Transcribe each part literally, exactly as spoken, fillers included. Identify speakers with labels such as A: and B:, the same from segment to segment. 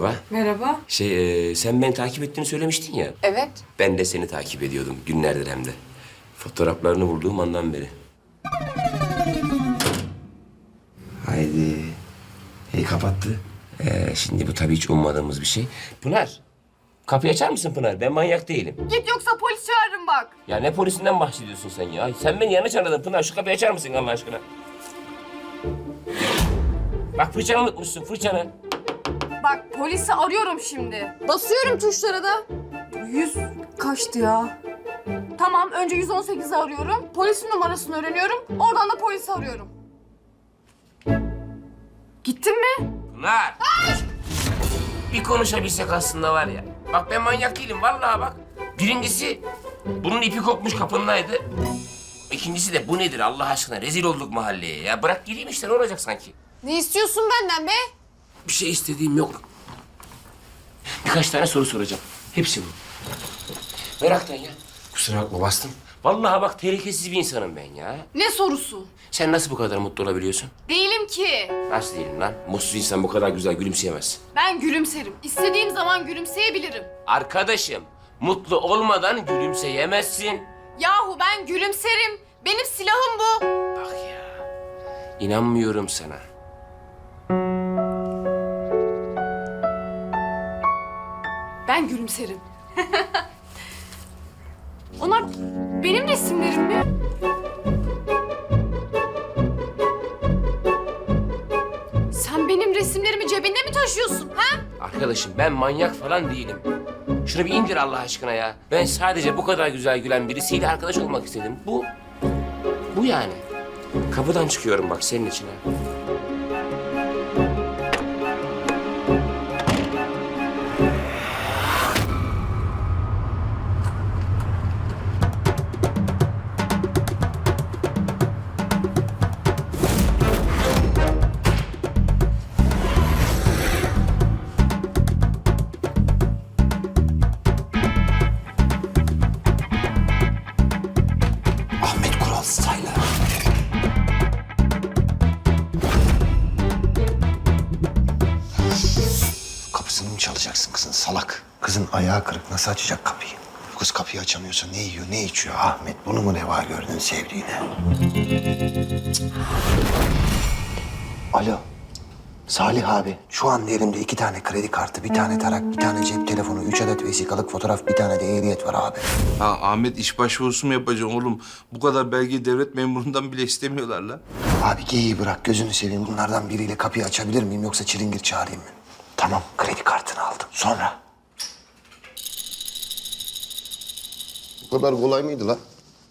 A: Merhaba.
B: Merhaba.
A: Şey, e, sen beni takip ettiğini söylemiştin ya.
B: Evet.
A: Ben de seni takip ediyordum günlerdir hem de. Fotoğraflarını bulduğum andan beri. Haydi. İyi kapattı. Ee, şimdi bu tabii hiç ummadığımız bir şey. Pınar, kapıyı açar mısın Pınar? Ben manyak değilim.
B: Git yoksa polis çağırırım bak.
A: Ya ne polisinden bahsediyorsun sen ya? Sen beni yanlış anladın Pınar. Şu kapıyı açar mısın Allah aşkına? Bak fırçanı unutmuşsun, fırçanı.
B: Bak polisi arıyorum şimdi. Basıyorum tuşlara da. Yüz kaçtı ya? Tamam önce yüz on sekizi arıyorum. Polisin numarasını öğreniyorum. Oradan da polisi arıyorum. Gittin mi?
A: Pınar! Bir konuşabilsek aslında var ya. Bak ben manyak değilim vallahi bak. Birincisi bunun ipi kopmuş kapındaydı. İkincisi de bu nedir Allah aşkına? Rezil olduk mahalleye ya. Bırak gireyim işte ne olacak sanki?
B: Ne istiyorsun benden be?
A: Bir şey istediğim yok. Birkaç tane soru soracağım. Hepsi bu. Meraktan ya. Kusura bakma bastım. Vallahi bak tehlikesiz bir insanım ben ya.
B: Ne sorusu?
A: Sen nasıl bu kadar mutlu olabiliyorsun?
B: Değilim ki.
A: Nasıl değilim lan? Mutsuz insan bu kadar güzel gülümseyemez.
B: Ben gülümserim. İstediğim zaman gülümseyebilirim.
A: Arkadaşım, mutlu olmadan gülümseyemezsin.
B: Yahu ben gülümserim. Benim silahım bu.
A: Bak ya, inanmıyorum sana.
B: Ben gülümserim. Onlar benim resimlerim mi? Sen benim resimlerimi cebinde mi taşıyorsun ha?
A: Arkadaşım ben manyak falan değilim. Şunu bir indir Allah aşkına ya. Ben sadece bu kadar güzel gülen birisiyle arkadaş olmak istedim. Bu, bu yani. Kapıdan çıkıyorum bak senin için ha.
C: Ahmet Kural Style'a. Kapısını mı çalacaksın kızın salak? Kızın ayağı kırık nasıl açacak kapıyı? Bu kız kapıyı açamıyorsa ne yiyor ne içiyor Ahmet? Bunu mu reva gördün sevdiğine? Alo. Salih abi, şu an elimde iki tane kredi kartı, bir tane tarak, bir tane cep telefonu, üç adet vesikalık fotoğraf, bir tane de ehliyet var abi.
D: Ha Ahmet iş başvurusu mu yapacaksın oğlum? Bu kadar belgeyi devlet memurundan bile istemiyorlar lan.
C: Abi geyiği bırak, gözünü seveyim. Bunlardan biriyle kapıyı açabilir miyim yoksa çilingir çağırayım mı? Tamam, kredi kartını aldım. Sonra? Bu kadar kolay mıydı lan?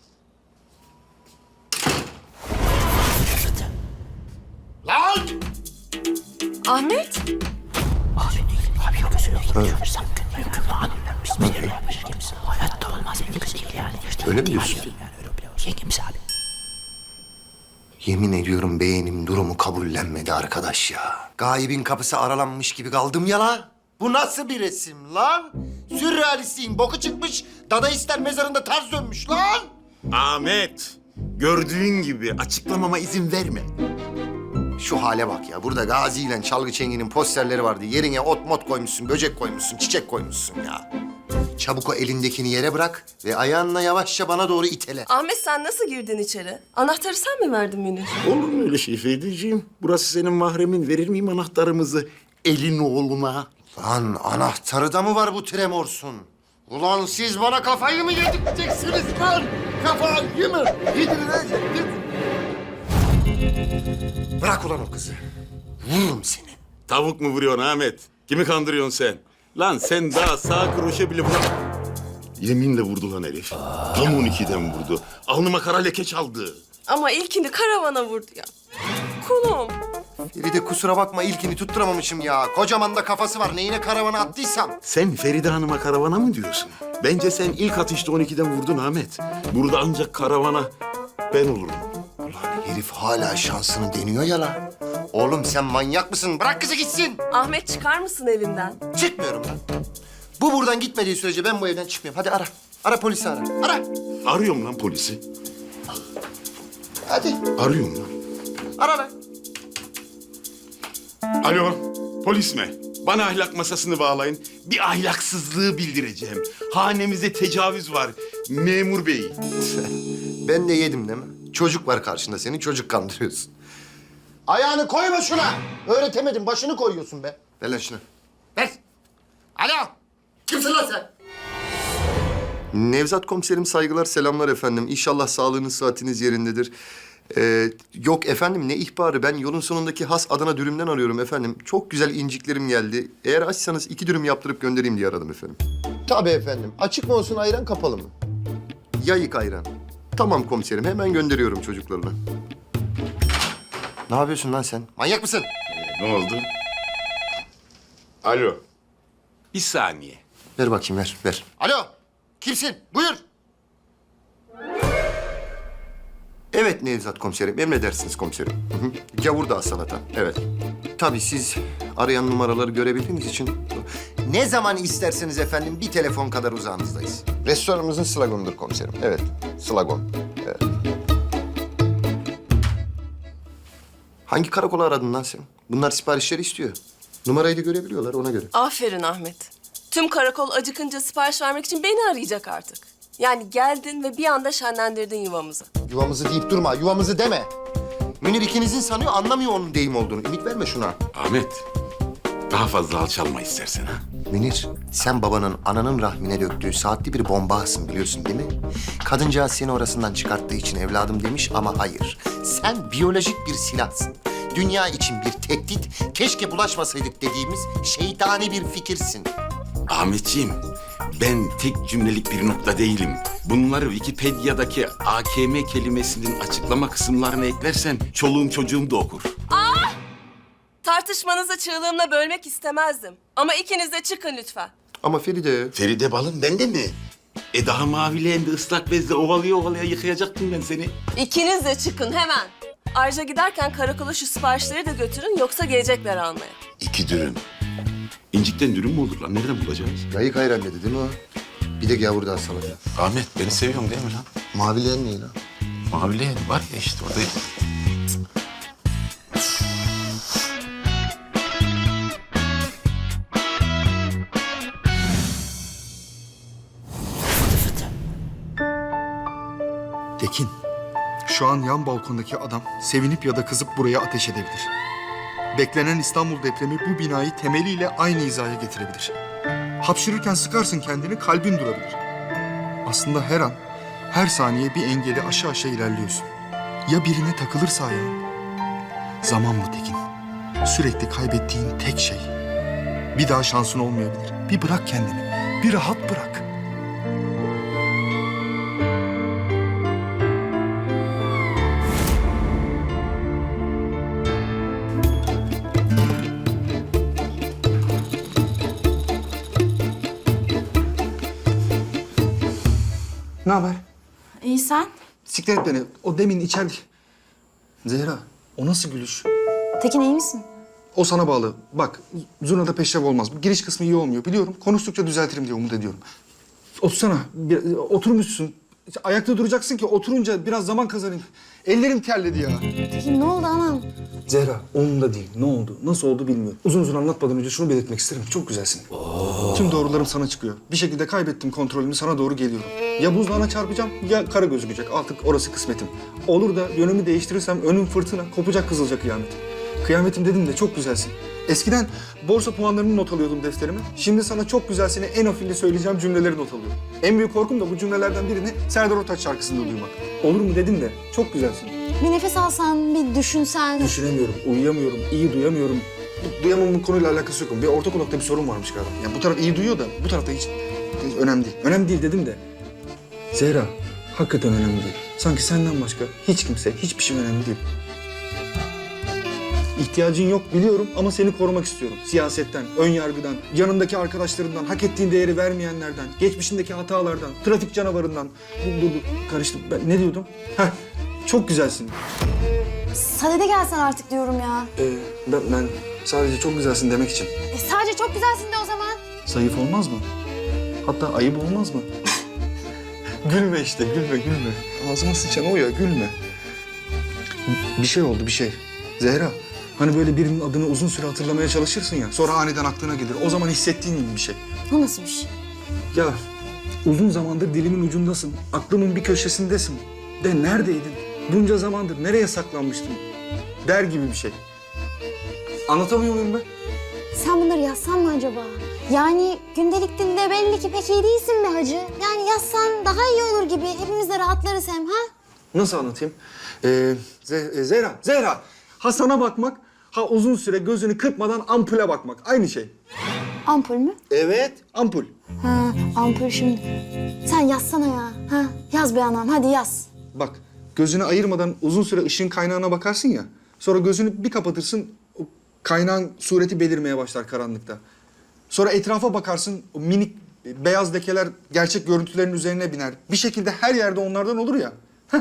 A: Lan!
B: Ahmet?
C: Öyle mi diyorsun? Yemin ediyorum beğenim durumu kabullenmedi arkadaş ya. Gaibin kapısı aralanmış gibi kaldım ya lan. Bu nasıl bir resim lan? Sürrealistliğin boku çıkmış, dadaistler mezarında ters dönmüş lan.
E: Ahmet, gördüğün gibi açıklamama izin verme.
C: Şu hale bak ya. Burada Gazi ile Çalgı Çengi'nin posterleri vardı. Yerine ot mot koymuşsun, böcek koymuşsun, çiçek koymuşsun ya. Çabuk o elindekini yere bırak ve ayağınla yavaşça bana doğru itele.
F: Ahmet sen nasıl girdin içeri? Anahtarı sen mi verdin Münir?
E: Olur mu öyle şey Fediciğim? Burası senin mahremin. Verir miyim anahtarımızı elin oğluna?
C: Lan anahtarı da mı var bu tremorsun? Ulan siz bana kafayı mı yedirteceksiniz lan? Kafayı mı yedirteceksiniz? Bırak ulan o kızı. Vururum seni.
E: Tavuk mu vuruyorsun Ahmet? Kimi kandırıyorsun sen? Lan sen daha sağ kroşe bile vuram... Yeminle vurdu lan herif. Tam on ikiden vurdu. Alnıma kara leke çaldı.
F: Ama ilkini karavana vurdu ya. Kulum.
C: Feride kusura bakma ilkini tutturamamışım ya. Kocaman da kafası var. Neyine karavana attıysam.
E: Sen Feride Hanım'a karavana mı diyorsun? Bence sen ilk atışta on ikiden vurdun Ahmet. Burada ancak karavana ben olurum.
C: Ulan herif hala şansını deniyor ya lan. Oğlum sen manyak mısın? Bırak kızı gitsin.
F: Ahmet çıkar mısın evinden?
C: Çıkmıyorum lan. Bu buradan gitmediği sürece ben bu evden çıkmıyorum. Hadi ara. Ara polisi ara. Ara.
E: Arıyorum lan polisi.
C: Hadi.
E: Arıyorum lan.
C: Ara lan.
E: Alo, polis mi? Bana ahlak masasını bağlayın. Bir ahlaksızlığı bildireceğim. Hanemize tecavüz var memur bey.
C: Ben de yedim değil mi? Çocuk var karşında senin, çocuk kandırıyorsun. Ayağını koyma şuna. Öğretemedim, başını koyuyorsun be. Ver lan şunu. Ver. Alo. Kimsin lan sen? Nevzat komiserim, saygılar, selamlar efendim. İnşallah sağlığınız, saatiniz yerindedir. Ee, yok efendim, ne ihbarı? Ben yolun sonundaki has Adana dürümden arıyorum efendim. Çok güzel inciklerim geldi. Eğer açsanız iki dürüm yaptırıp göndereyim diye aradım efendim. Tabii efendim. Açık mı olsun, ayran kapalı mı? Yayık ayran. Tamam komiserim, hemen gönderiyorum çocuklarına. Ne yapıyorsun lan sen? Manyak mısın?
E: Ne oldu? Alo. Bir saniye.
C: Ver bakayım, ver, ver. Alo, kimsin? Buyur. Evet Nevzat komiserim, emredersiniz komiserim. Hı hı. Gavurdağ salata, evet. Tabii siz arayan numaraları görebildiğiniz için... Ne zaman isterseniz efendim, bir telefon kadar uzağınızdayız. Restoranımızın sloganıdır komiserim, evet. Slogan, evet. Hangi karakola aradın lan sen? Bunlar siparişleri istiyor. Numarayı da görebiliyorlar, ona göre.
F: Aferin Ahmet. Tüm karakol acıkınca sipariş vermek için beni arayacak artık. Yani geldin ve bir anda şenlendirdin yuvamızı.
C: Yuvamızı deyip durma, yuvamızı deme. Münir ikinizin sanıyor, anlamıyor onun deyim olduğunu. Ümit verme şuna.
E: Ahmet. Daha fazla alçalma istersen ha.
C: Münir, sen babanın ananın rahmine döktüğü saatli bir bombasın biliyorsun değil mi? Kadıncağız seni orasından çıkarttığı için evladım demiş ama hayır. Sen biyolojik bir silahsın. Dünya için bir tehdit, keşke bulaşmasaydık dediğimiz şeytani bir fikirsin.
E: Ahmetciğim, ben tek cümlelik bir nokta değilim. Bunları Wikipedia'daki A K M kelimesinin açıklama kısımlarına eklersen çoluğum çocuğum da okur.
F: Tartışmanızı çığlığımla bölmek istemezdim. Ama ikiniz de çıkın lütfen.
C: Ama Feride...
E: Feride balım bende mi? E daha mavileğinde ıslak bezle ovalaya ovalaya yıkayacaktım ben seni.
F: İkiniz de çıkın hemen. Ayrıca giderken karakola şu siparişleri de götürün yoksa gelecekler almaya.
E: İki dürüm. İncikten dürüm mü olur lan? Nereden bulacağız?
C: Yayık ayran dedi değil mi o? Bir de gavurdağ salata.
E: Ahmet beni seviyorsun değil mi lan?
C: Mavilerin ne lan?
E: Mavileğen var ya işte orada.
G: Tekin, şu an yan balkondaki adam sevinip ya da kızıp buraya ateş edebilir. Beklenen İstanbul depremi bu binayı temeliyle aynı hizaya getirebilir. Hapşırırken sıkarsın kendini, kalbin durabilir. Aslında her an, her saniye bir engeli aşağı aşağı ilerliyorsun. Ya birine takılırsa ayağın? Zaman bu Tekin. Sürekli kaybettiğin tek şey. Bir daha şansın olmayabilir. Bir bırak kendini, bir rahat bırak. Ne haber?
B: İyi sen?
G: Siktir et beni. O demin içeride... Zehra, o nasıl gülüş?
B: Tekin iyi misin?
G: O sana bağlı. Bak, zurnada peşrev olmaz. Bu giriş kısmı iyi olmuyor. Biliyorum. Konuştukça düzeltirim diye umut ediyorum. Otursana. Bir, oturmuşsun. Ayakta duracaksın ki oturunca biraz zaman kazanayım. Ellerim terledi ya.
B: Tekin ne oldu anam?
G: Zehra, umurumda değil. Ne oldu? Nasıl oldu bilmiyorum. Uzun uzun anlatmadan önce şunu belirtmek isterim. Çok güzelsin. Tüm doğrularım sana çıkıyor. Bir şekilde kaybettim kontrolümü, sana doğru geliyorum. Ya buzluğuna çarpacağım ya kara gözükecek. Artık orası kısmetim. Olur da yönümü değiştirirsem önüm fırtına, kopacak kızılca kıyamet. Kıyametim dedim de çok güzelsin. Eskiden borsa puanlarını not alıyordum defterime. Şimdi sana çok güzelsini en afilli söyleyeceğim cümleleri not alıyorum. En büyük korkum da bu cümlelerden birini Serdar Ortaç şarkısında duymak. Olur mu dedim de çok güzelsin.
B: Bir nefes alsan, bir düşünsen.
G: Düşünemiyorum, uyuyamıyorum, iyi duyamıyorum. Bu duyamamın konuyla alakası yok. Bir orta kulakta bir sorun varmış galiba. Yani bu taraf iyi duyuyor da bu tarafta hiç, hiç önemli değil. Önemli değil dedim de. Zehra, hakikaten önemli değil. Sanki senden başka hiç kimse, hiçbir şey önemli değil. İhtiyacın yok biliyorum ama seni korumak istiyorum. Siyasetten, ön yargıdan, yanındaki arkadaşlarından, hak ettiğin değeri vermeyenlerden, geçmişindeki hatalardan, trafik canavarından. Dur, dur, dur. Karıştım. Ben ne diyordum? Heh, çok güzelsin.
B: Sadede gelsen artık diyorum ya.
G: Ee, ben, ben sadece çok güzelsin demek için.
B: E sadece çok güzelsin de o zaman.
G: Zayıf olmaz mı? Hatta ayıp olmaz mı? Gülme işte, gülme, gülme. Ağzıma sıçan o ya, gülme. Bir şey oldu, bir şey. Zehra, Hani böyle birinin adını uzun süre hatırlamaya çalışırsın ya. Sonra aniden aklına gelir. O zaman hissettiğin gibi bir şey.
B: O nasıl bir şey?
G: Ya uzun zamandır dilimin ucundasın. Aklımın bir köşesindesin. De neredeydin? Bunca zamandır nereye saklanmıştın? Der gibi bir şey. Anlatamıyor muyum ben?
H: Sen bunları yazsan mı acaba? Yani gündelik dilde belli ki pek iyi değilsin be hacı. Yani yazsan daha iyi olur gibi. Hepimiz de rahatlarız hem ha?
G: Nasıl anlatayım? Ee, Ze- e, Zehra, Zehra. Ha sana bakmak, ha uzun süre gözünü kırpmadan ampule bakmak. Aynı şey.
H: Ampul mü?
G: Evet, ampul.
H: Ha, ampul şimdi. Sen yazsana ya. Ha, yaz be anam, hadi yaz.
G: Bak, gözünü ayırmadan uzun süre ışığın kaynağına bakarsın ya. Sonra gözünü bir kapatırsın, o kaynağın sureti belirmeye başlar karanlıkta. Sonra etrafa bakarsın, o minik beyaz lekeler gerçek görüntülerin üzerine biner. Bir şekilde her yerde onlardan olur ya. Heh.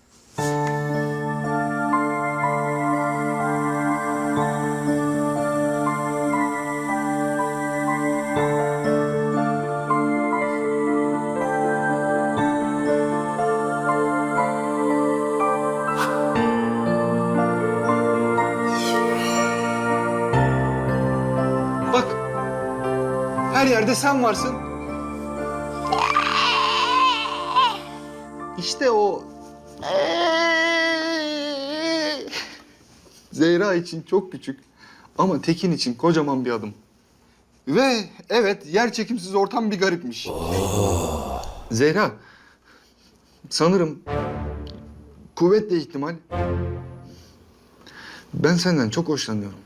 G: Bak, her yerde sen varsın. İşte o... Zehra için çok küçük ama Tekin için kocaman bir adım. Ve evet, yer çekimsiz ortam bir garipmiş. Zehra, sanırım kuvvetle ihtimal ben senden çok hoşlanıyorum.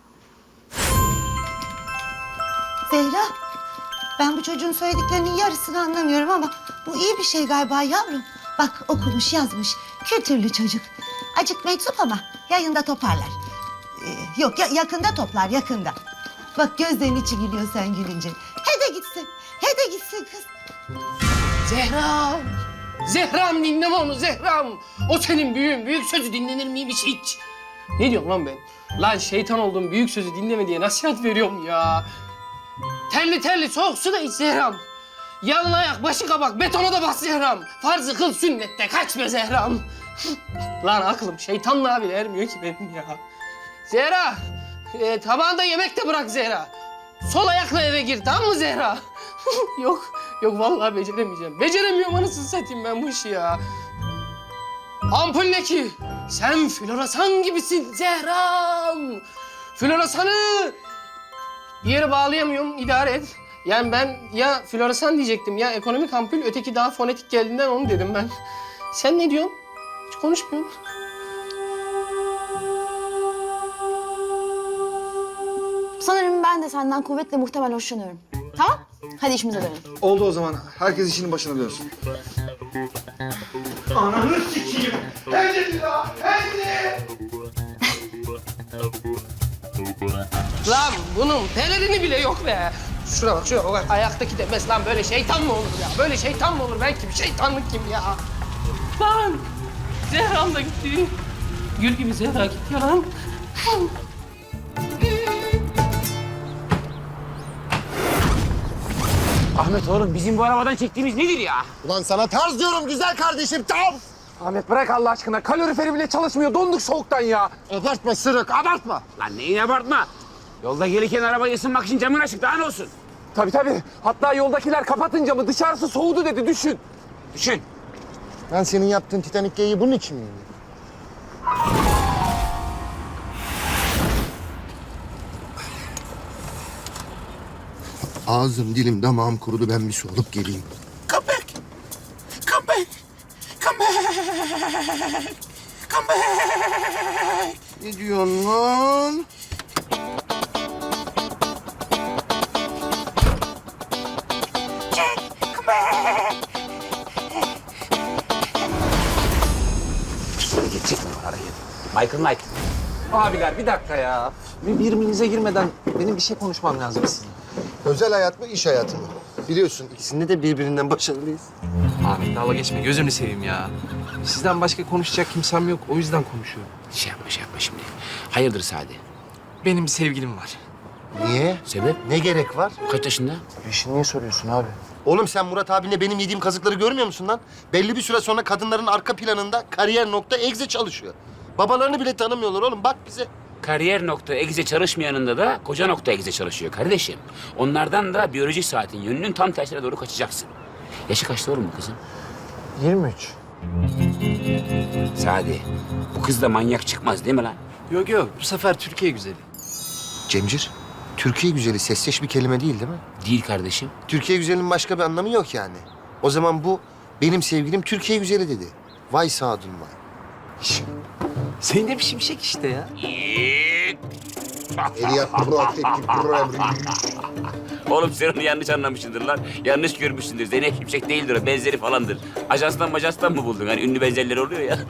I: Zehra, ben bu çocuğun söylediklerinin yarısını anlamıyorum ama bu iyi bir şey galiba yavrum. Bak okumuş, yazmış, kültürlü çocuk. Acık meczup ama yayında toparlar. Ee, yok ya, yakında toplar, yakında. Bak gözlerin içi gülüyor sen gülünce. He de gitsin, he de gitsin kız.
J: Zehram! Zehram dinleme onu Zehram! O senin büyüğün, büyük sözü dinlenir miymiş hiç? Ne diyorum lan ben? Lan şeytan oldum, büyük sözü dinleme diye nasihat veriyorum ya. Terli terli soğuk su da iç Zehram. Yalın ayak, başı kabak, betona da bas Zehram. Farzı kıl sünnette kaçma Zehram. Lan aklım şeytanlığa bile ermiyor ki benim ya. Zehra, e, tabağında yemek de bırak Zehra. Sol ayakla eve gir, tamam mı Zehra? yok, yok vallahi beceremeyeceğim. Beceremiyorum anasını satayım ben bu işi ya. Ampul ne ki? Sen floresan gibisin Zehram. Floresanı bir yere bağlayamıyorum, idare et. Yani ben ya floresan diyecektim ya ekonomik ampul, öteki daha fonetik geldiğinden onu dedim ben. Sen ne diyorsun? Hiç konuşmuyorsun.
H: Sanırım ben de senden kuvvetle muhtemel hoşlanıyorum. Tamam? Hadi işimize dönelim.
G: Oldu o zaman. Herkes işinin başına dönsün. Ananı sikeyim. Hadi ya, hadi.
J: Lan bunun pelerini bile yok be. Şuna bak, şuna bak. Ayaktaki demez lan, böyle şeytan mı olur ya? Böyle şeytan mı olur? Ben kim? Şeytanlık kim ya? Lan! Zehram da gitti. Gül gibi Zehra gitti ya lan.
A: Ahmet oğlum bizim bu arabadan çektiğimiz nedir ya?
C: Ulan sana tarz diyorum güzel kardeşim, tam.
K: Ahmet bırak Allah aşkına. Kaloriferi bile çalışmıyor. Donduk soğuktan ya.
C: Abartma Sırık, abartma.
A: Lan neyin abartma? Yolda gelirken arabayı ısınmak için camın açık, daha ne olsun?
K: Tabii tabii. Hatta yoldakiler kapatın camı. Dışarısı soğudu dedi. Düşün.
A: Düşün.
C: Ben senin yaptığın Titanic geyiği bunun için miyim? Ağzım, dilim, damağım kurudu. Ben bir su alıp geleyim.
A: Come back. Come back. Come back. Come back.
C: Ne diyorsun lan?
A: Come back. Geçecek mi var araya? Michael Knight.
K: Abiler bir dakika ya. Bir birbirinize girmeden benim bir şey konuşmam lazım sizinle.
C: Özel hayat mı, iş hayatı mı? Biliyorsun ikisinde de birbirinden başarılıyız.
K: Ahmet dalga geçme. Gözünü seveyim ya. Sizden başka konuşacak kimsem yok. O yüzden konuşuyorum.
A: Şey yapma, şey yapma şimdi. Hayırdır Sadi?
K: Benim bir sevgilim var.
C: Niye?
A: Sebep?
C: Ne gerek var?
A: Kaç yaşında?
C: Peşini niye soruyorsun abi? Oğlum sen Murat abinle benim yediğim kazıkları görmüyor musun lan? Belli bir süre sonra kadınların arka planında kariyer nokta egze çalışıyor. Babalarını bile tanımıyorlar oğlum, bak bize.
L: Kariyer nokta exe çalışmayanında da koca nokta exe çalışıyor kardeşim. Onlardan da biyolojik saatin yönünün tam tersine doğru kaçacaksın. Yaşı kaçta oğlum bu kızın?
K: yirmi üç.
L: Sadi, bu kız da manyak çıkmaz değil mi lan?
K: Yok yok, bu sefer Türkiye güzeli.
C: Cemcir, Türkiye güzeli sesleş bir kelime değil değil mi?
L: Değil kardeşim.
C: Türkiye güzelinin başka bir anlamı yok yani. O zaman bu benim sevgilim Türkiye güzeli dedi. Vay Sadun vay.
K: Zeynep Şimşek işte ya.
L: Oğlum sen onu yanlış anlamışsındır lan. Yanlış görmüşsündür. Zeynep Şimşek değildir o. Benzeri falandır. Ajanstan majanstan mı buldun? Hani ünlü benzerleri oluyor ya.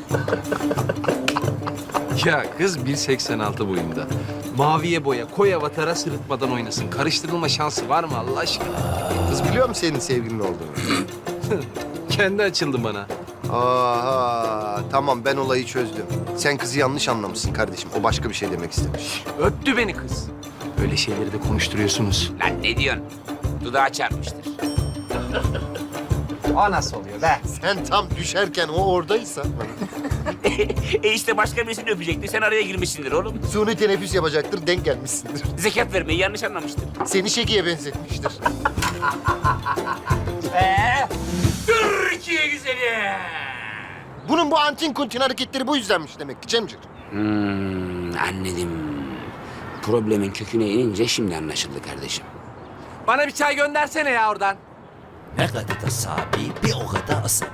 K: Ya kız bir seksen altı boyunda. Maviye boya, koy avatara sırıtmadan oynasın. Karıştırılma şansı var mı Allah aşkına?
C: Kız biliyor mu senin sevgilin olduğunu?
K: Kendi açıldı bana.
C: Aha, tamam ben olayı çözdüm. Sen kızı yanlış anlamışsın kardeşim. O başka bir şey demek istemiş.
K: Öptü beni kız. Böyle şeyleri de konuşturuyorsunuz.
L: Lan ne diyorsun? Dudağı çarpmıştır.
K: O nasıl oluyor be?
C: Sen tam düşerken o oradaysa...
L: e işte başka birisini öpecekti. Sen araya girmişsindir oğlum.
C: Suni teneffüs yapacaktır, denk gelmişsindir.
L: Zekat vermeyi yanlış anlamıştır.
C: Seni şekiye benzetmiştir.
L: Ee, Türkiye güzeli.
C: Bunun bu antin kuntin hareketleri bu yüzdenmiş demek ki Cemcir.
L: Hmm, anladım. Problemin köküne inince şimdi anlaşıldı kardeşim.
K: Bana bir çay göndersene ya oradan.
M: Ne kadar da sabi, bir o kadar asabi.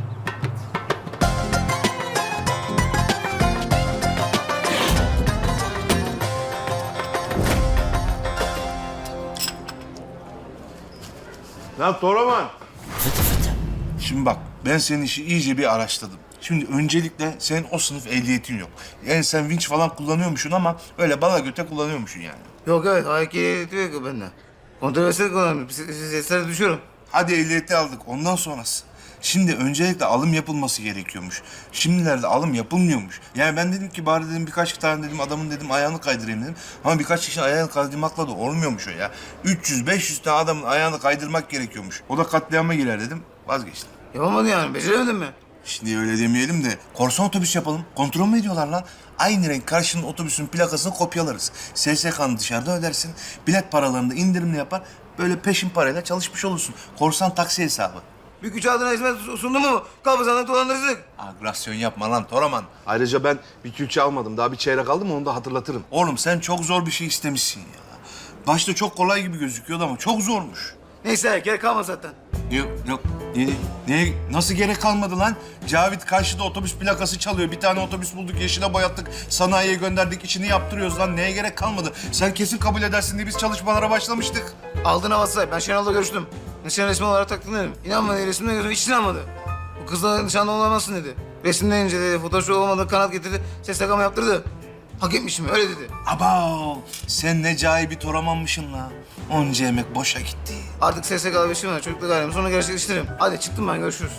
D: Lan Toraman.
M: Fıtı fıtı.
D: Şimdi bak ben senin işi iyice bir araştırdım. Şimdi öncelikle senin o sınıf ehliyetin yok. Yani sen vinç falan kullanıyormuşsun ama öyle bala göte kullanıyormuşsun yani.
G: Yok evet, ayak ehliyeti yok bende. Kontrolsüz kullanıyorum. Seslere düşüyorum.
D: Hadi ehliyeti aldık ondan sonrası. Şimdi öncelikle alım yapılması gerekiyormuş. Şimdilerde alım yapılmıyormuş. Yani ben dedim ki bari dedim birkaç tane dedim adamın dedim ayağını kaydırayım dedim. Ama birkaç kişinin ayağını kaydırmakla da olmuyormuş o ya. üç yüz beş yüz tane adamın ayağını kaydırmak gerekiyormuş. O da katliama girer dedim. Vazgeçtim.
G: Yapamadın yani, beceremedin mi?
D: Şimdi öyle demeyelim de korsan otobüs yapalım. Kontrol mü ediyorlar lan? Aynı renk karşının otobüsün plakasını kopyalarız. S S K'nı dışarıda ödersin. Bilet paralarını da indirimli yapar. Böyle peşin parayla çalışmış olursun. Korsan taksi hesabı.
G: Bir güç adına hizmet sundu mu? Kabızanlık dolandırıcılık.
D: Agresyon yapma lan Toraman. Ayrıca ben bir külçe almadım. Daha bir çeyrek aldım onu da hatırlatırım. Oğlum sen çok zor bir şey istemişsin ya. Başta çok kolay gibi gözüküyordu ama çok zormuş.
G: Neyse, gerek kalmadı zaten.
D: Yok yok. Ne, ne, nasıl gerek kalmadı lan? Cavit karşıda otobüs plakası çalıyor. Bir tane otobüs bulduk, yeşile boyattık. Sanayiye gönderdik, içini yaptırıyoruz lan. Neye gerek kalmadı? Sen kesin kabul edersin diye biz çalışmalara başlamıştık.
G: Aldığın havası. Ben Şenol'la görüştüm. Nişan resmi olarak taktın dedim. İnanmadı, resimden gözüm hiç inanmadı. Bu kızla nişanlı olamazsın dedi. Resimden inceledi, fotoğrafı olmadı, kanat getirdi. Ses takama yaptırdı. Hak etmişim, öyle dedi.
D: Abav! Sen ne cahil bir Toramanmışsın la. Onca emek boşa gitti.
G: Artık S S K'lı bir işim var. Çocukla gayrım. Sonra gerçekleştiririm. Hadi çıktım ben, görüşürüz.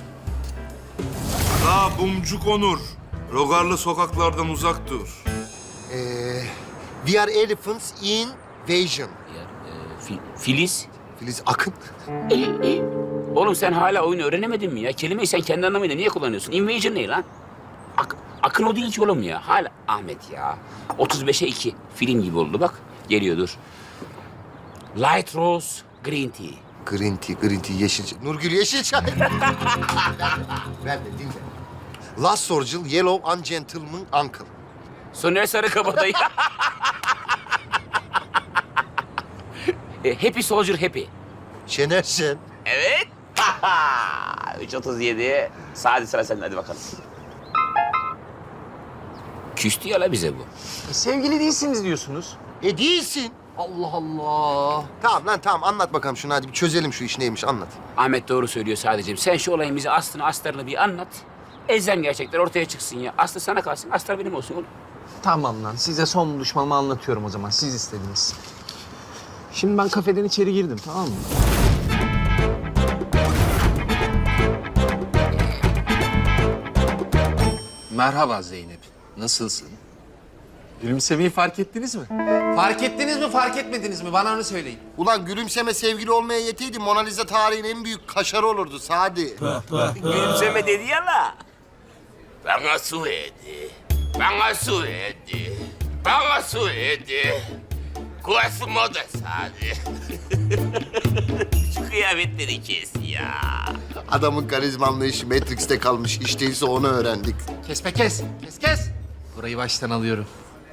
D: La Bumcuk Onur. Rogarlı sokaklardan uzak dur.
C: Ee, we are elephants in Vision.
L: Ee, Fi- Filiz.
C: Filiz Akın.
L: Oğlum sen hala oyunu öğrenemedin mi ya? Kelimeyi sen kendi anlamıyla niye kullanıyorsun? Invasion ne lan? Ak- Akın o değil ki oğlum ya. Hala Ahmet ya. otuz beşe iki. Film gibi oldu bak. Geliyor dur. Light Rose Green Tea.
C: Green tea, green tea, yeşil çay. Nurgül yeşil çay. Ver de dinle. Last Sorgil, Yellow Ungentleman Uncle.
L: Soner Sarıkabadayı. E, Happy Soldier Happy.
C: Şener Şen.
L: Evet. üç otuz yedi. Sadi sıra sende hadi bakalım. Küstü ya la bize bu.
K: Sevgili değilsiniz diyorsunuz.
C: E değilsin.
K: Allah Allah.
C: Tamam lan tamam anlat bakalım şunu hadi bir çözelim şu iş neymiş anlat.
L: Ahmet doğru söylüyor sadece. Sen şu olayın bize aslını astarını bir anlat. Elzem gerçekler ortaya çıksın ya. Aslı sana kalsın, astar benim olsun oğlum.
K: Tamam lan, size son buluşmamı anlatıyorum o zaman. Siz istediniz. Şimdi ben kafeden içeri girdim, tamam mı? Merhaba Zeynep. Nasılsın? Gülümsemeyi fark ettiniz mi? Fark ettiniz mi, fark etmediniz mi? Bana onu söyleyin.
C: Ulan gülümseme sevgili olmaya yeteydi Mona Lisa tarihin en büyük kaşarı olurdu Sadi.
L: Gülümseme dedi ya la. Bana su verdi. Bana su verdi.
A: Baba söyledi. Kuvası moda sade. Şu kıyafetleri kes ya.
C: Adamın karizma anlayışı Matrix'te kalmış. İş değilse onu öğrendik.
K: Kes be kes. Kes kes. Burayı baştan alıyorum.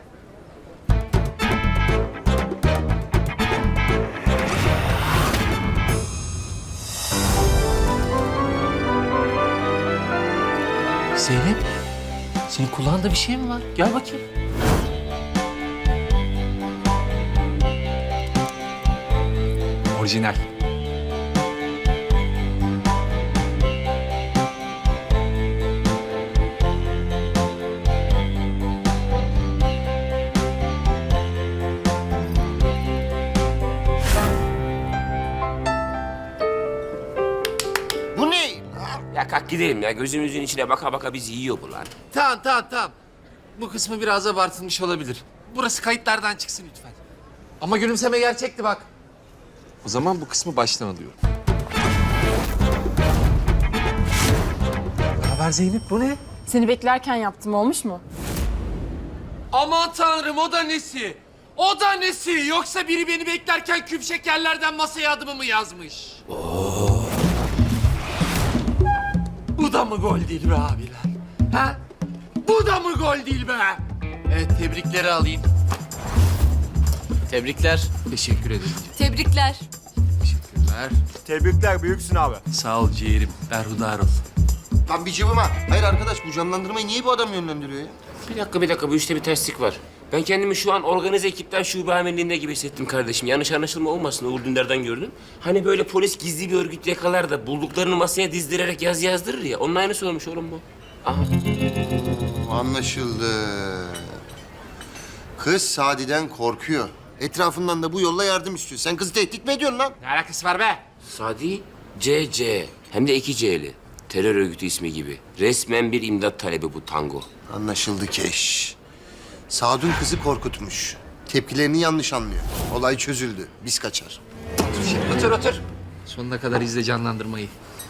K: Zeynep, senin kulağında bir şey mi var? Gel bakayım. Orijinal.
C: Bu ne?
A: Ya kalk gidelim ya. Gözümüzün içine baka baka bizi yiyor bu lan.
K: Tamam tamam tamam. Bu kısmı biraz abartılmış olabilir. Burası kayıtlardan çıksın lütfen. Ama gülümseme gerçekti bak. O zaman bu kısmı baştan alıyorum. Ne haber Zeynep, bu ne?
B: Seni beklerken yaptım, olmuş mu?
K: Aman tanrım, o da nesi? O da nesi? Yoksa biri beni beklerken küp şekerlerden masaya adımımı yazmış. Bu da mı gol değil be abiler? Ha? Bu da mı gol değil be? Evet, tebrikleri alayım. Tebrikler. Teşekkür ederim.
B: Tebrikler.
K: Teşekkürler.
G: Tebrikler, büyüksün abi.
K: Sağ ol ciğerim. Berhudar ol.
C: Lan bir cıvıma. Hayır arkadaş, bu canlandırmayı niye bu adam yönlendiriyor ya?
A: Bir dakika bir dakika bu işte bir terslik var. Ben kendimi şu an organize ekipten şube amirliğinde gibi hissettim kardeşim. Yanlış anlaşılma olmasın, Uğur Dündar'dan gördüm. Hani böyle polis gizli bir örgüt yakalar da bulduklarını masaya dizdirerek yaz yazdırır ya. Onun aynısı olmuş oğlum bu. Aha.
C: Anlaşıldı. Kız Sadi'den korkuyor. Etrafından da bu yolla yardım istiyor. Sen kızı tehdit mi ediyorsun lan?
K: Ne alakası var be?
A: Sadi C C. Hem de iki C'li. Terör örgütü ismi gibi. Resmen bir imdat talebi bu tango.
C: Anlaşıldı Keş. Sadun kızı korkutmuş. Tepkilerini yanlış anlıyor. Olay çözüldü. Biz kaçar.
K: Otur otur. Sonuna kadar izle canlandırmayı.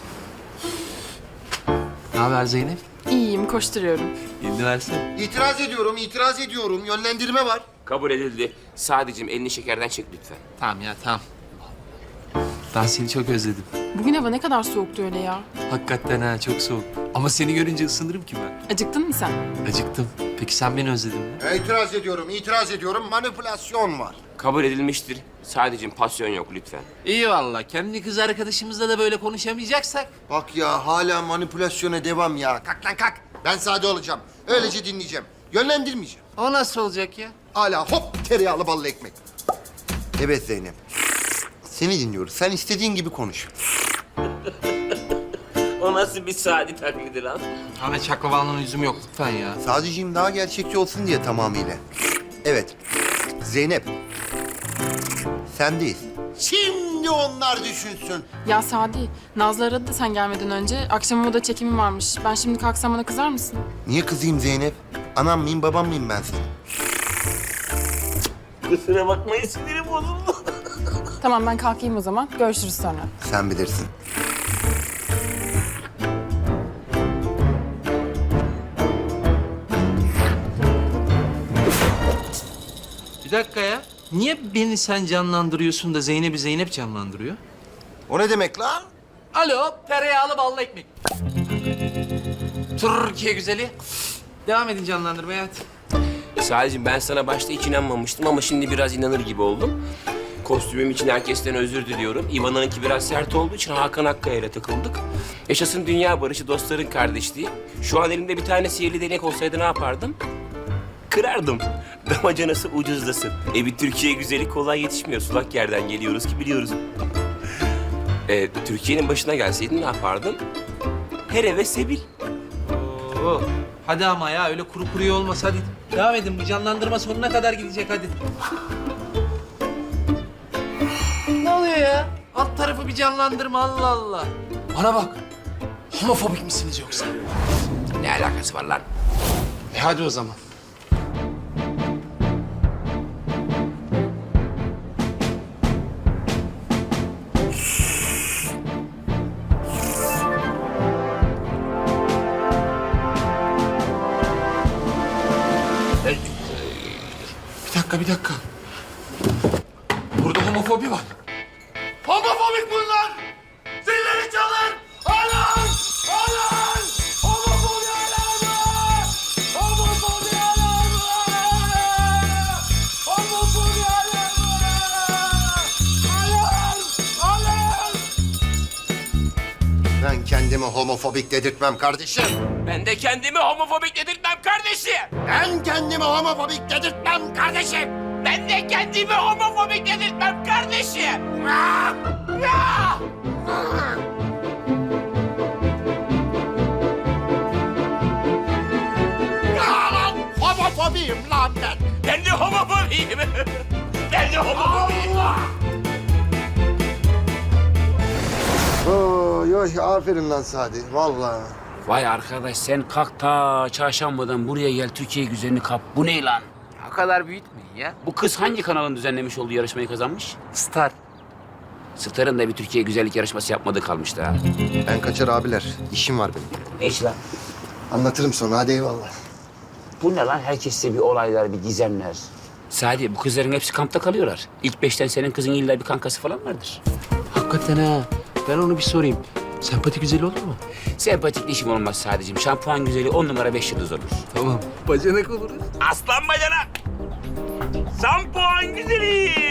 K: Ne haber Zeynep?
B: İyiyim, koşturuyorum.
K: Elini versene.
C: İtiraz ediyorum, itiraz ediyorum. Yönlendirme var.
A: Kabul edildi. Sadicim elini şekerden çek lütfen.
K: Tamam ya tamam. Ben seni çok özledim.
B: Bugün hava ne kadar soğuktu öyle ya.
K: Hakikaten ha, çok soğuk. Ama seni görünce ısınırım ki ben.
B: Acıktın mı sen?
K: Acıktım. Peki sen beni özledin mi?
C: İtiraz ediyorum, itiraz ediyorum. Manipülasyon var.
A: Kabul edilmiştir. Sadicim pasyon yok lütfen.
K: İyi valla. Kendi kız arkadaşımızla da böyle konuşamayacaksak.
C: Bak ya, hala manipülasyona devam ya. Kalk lan kalk. Ben sade olacağım. Öylece dinleyeceğim. Yönlendirmeyeceğim.
K: O nasıl olacak ya?
C: Hala hop tereyağlı ballı ekmek. Evet Zeynep. Seni dinliyoruz. Sen istediğin gibi konuş.
A: O nasıl bir Sadi taklidi lan?
K: Ahmet Çaklavan'ın yüzüm yok lütfen ya.
C: Sadece'yim daha gerçekçi olsun diye tamamıyla. Evet. Zeynep. Sendeyiz. Şimdi onlar düşünsün.
B: Ya Sadi, Nazlı aradı da sen gelmeden önce. Akşam moda çekimi varmış. Ben şimdi kalksam bana kızar mısın?
C: Niye kızayım Zeynep? Anam mıyım, babam mıyım ben senin?
A: Kusura bakmayın sinirim bozuldu.
B: Tamam, ben kalkayım o zaman. Görüşürüz sonra.
C: Sen bilirsin.
K: Bir dakika ya. Niye beni sen canlandırıyorsun da Zeynep'i Zeynep canlandırıyor?
C: O ne demek lan?
K: Alo, tereyağlı ballı ekmek. Türkiye güzeli. Devam edin canlandırmaya hadi.
A: Sadicim ben sana başta hiç inanmamıştım ama şimdi biraz inanır gibi oldum. Kostümüm için herkesten özür diliyorum. İvan'ınki biraz sert olduğu için Hakan Akkaya ile takıldık. Yaşasın dünya barışı, dostların kardeşliği. Şu an elimde bir tane sihirli değnek olsaydı ne yapardım? Kırardım. Damacanası ucuzlasın. E bir Türkiye güzeli kolay yetişmiyor. Sulak yerden geliyoruz ki biliyoruz. E, Türkiye'nin başına gelseydin ne yapardın? Her eve sebil.
K: Oo. Hadi ama ya öyle kuru kuruya olmaz hadi. Devam edin bu canlandırma sonuna kadar gidecek hadi. Ne oluyor ya? Alt tarafı bir canlandırma Allah Allah. Bana bak. Homofobik misiniz yoksa?
A: Ne alakası var lan?
K: E hadi o zaman. dakika, bir dakika. Burada homofobi var. Homofobik bunlar! Zilleri çalın! Alan! Alan! Homofobi alarmı! Homofobi alarmı! Homofobi alarmı! Alarm! Alarm!
C: Ben kendimi homofobik dedirtmem kardeşim.
A: Ben de kendimi homofobik dedirtmem kardeşim.
C: Ben kendimi homofobik dedirtmem kardeşim.
A: Ben de kendimi homofobik dedirtmem kardeşim. Ah! Ah!
C: Lan homofobiyim lan ben.
A: Ben de homofobiyim. Ben de homofobiyim.
C: Oy oy aferin lan Sadi vallahi.
L: Vay arkadaş sen kalk ta çarşambadan buraya gel Türkiye güzelini kap. Bu ne lan?
K: O kadar büyütmeyin ya.
L: Bu kız hangi kanalın düzenlemiş olduğu yarışmayı kazanmış?
K: Star.
L: Star'ın da bir Türkiye güzellik yarışması yapmadığı kalmıştı ha.
C: Ben kaçar abiler. İşim var benim.
L: Ne iş lan?
C: Anlatırım sonra hadi eyvallah.
L: Bu ne lan? Herkeste bir olaylar, bir gizemler. Sadi, bu kızların hepsi kampta kalıyorlar. İlk beşten senin kızın illa bir kankası falan vardır.
J: Hakikaten ha. Ben onu bir sorayım. Sempati güzeli olur mu?
L: Sempatik işim olmaz Sadiciğim. Şampuan güzeli on numara beş yıldız olur.
J: Tamam. Bacanak oluruz.
A: Aslan bacanak. Şampuan güzeli.